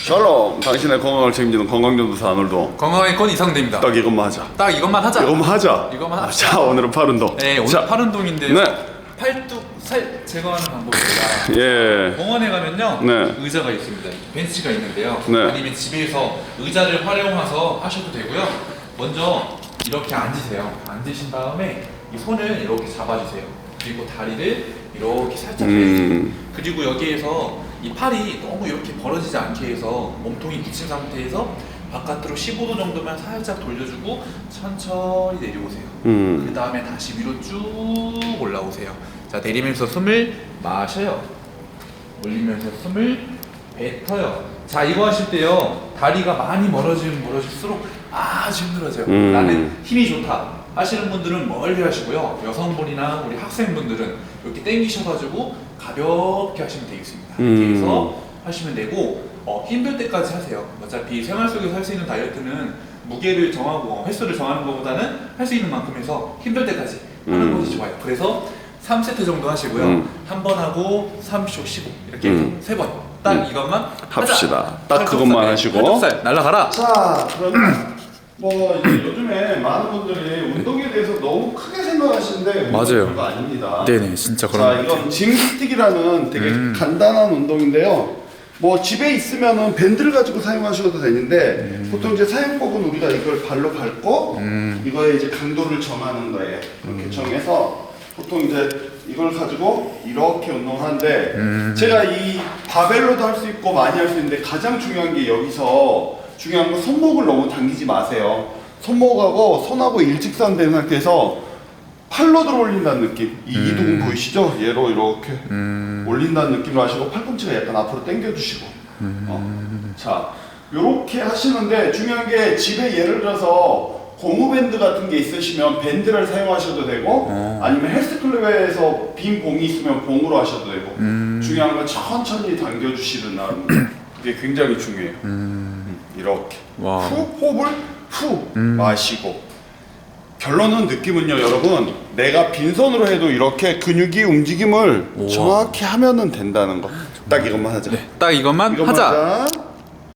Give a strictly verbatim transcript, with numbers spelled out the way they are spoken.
샬롬, 당신의 건강을 책임지는 건강전도사 아놀도. 건강의 건 이상대입니다. 딱 이것만 하자. 딱 이것만 하자. 이것만 하자. 이것만 하자. 자, 오늘은 팔 운동. 네, 오늘 자, 팔 운동인데요. 네. 팔뚝 살 제거하는 방법입니다. 예. 병원에 가면요, 네. 의자가 있습니다. 벤치가 있는데요. 네. 아니면 집에서 의자를 활용해서 하셔도 되고요. 먼저 이렇게 앉으세요. 앉으신 다음에 이 손을 이렇게 잡아주세요. 그리고 다리를 이렇게 살짝 음. 펴주세요. 그리고 여기에서 이 팔이 너무 이렇게 벌어지지 않게 해서 몸통이 붙인 상태에서 바깥으로 십오 도 정도만 살짝 돌려주고 천천히 내려오세요. 음. 그 다음에 다시 위로 쭉 올라오세요. 자, 내리면서 숨을 마셔요. 올리면서 숨을 뱉어요. 자, 이거 하실 때요, 다리가 많이 멀어지면 멀어질수록 아주 힘들어져요. 음. 나는 힘이 좋다 하시는 분들은 멀리 하시고요, 여성분이나 우리 학생분들은 이렇게 당기셔가지고 가볍게 하시면 되겠습니다. 이렇게 음. 해서 하시면 되고, 어, 힘들 때까지 하세요. 어차피 생활 속에서 할 수 있는 다이어트는 무게를 정하고 횟수를 정하는 것보다는 할 수 있는 만큼 해서 힘들 때까지 하는 음. 것이 좋아요. 그래서 삼 세트 정도 하시고요. 음. 한 번 하고 삼십 초 쉬고 이렇게 음. 세 번. 딱 음. 이것만 합시다. 하자. 딱 그것만 하시고. 팔뚝살 날라가라. 자, 그러면 뭐 이제 요즘에 많은 분들이 운동에 대해서 너무 크게 생각하시는데 맞아요. 그거 아닙니다. 네네, 진짜 자, 그런 것 같아요. 이건 짐스틱이라는 되게 음. 간단한 운동인데요. 뭐 집에 있으면은 밴드를 가지고 사용하셔도 되는데 음. 보통 이제 사용법은 우리가 이걸 발로 밟고 음. 이거에 이제 강도를 정하는 거예요. 이렇게 음. 정해서 보통 이제 이걸 가지고 이렇게 운동을 하는데 음. 제가 이 바벨로도 할 수 있고 많이 할 수 있는데 가장 중요한 게 여기서 중요한 건 손목을 너무 당기지 마세요. 손목하고 손하고 일직선된 상태에서 팔로 들어 올린다는 느낌. 이 음. 이동 보이시죠? 얘로 이렇게 음. 올린다는 느낌으로 하시고 팔꿈치가 약간 앞으로 당겨주시고. 음. 어. 자, 요렇게 하시는데 중요한 게 집에 예를 들어서 고무밴드 같은 게 있으시면 밴드를 사용하셔도 되고 어. 아니면 헬스클럽에서 빈 봉이 있으면 봉으로 하셔도 되고 음. 중요한 건 천천히 당겨주시는 나름. 그게 굉장히 중요해요. 음. 이렇게 와. 후 호흡을 후 음. 마시고 결론은 느낌은요 여러분 내가 빈손으로 해도 이렇게 근육이 움직임을 우와. 정확히 하면은 된다는 거 딱 이것만 하자. 딱 이것만 이것만 하자. 하자.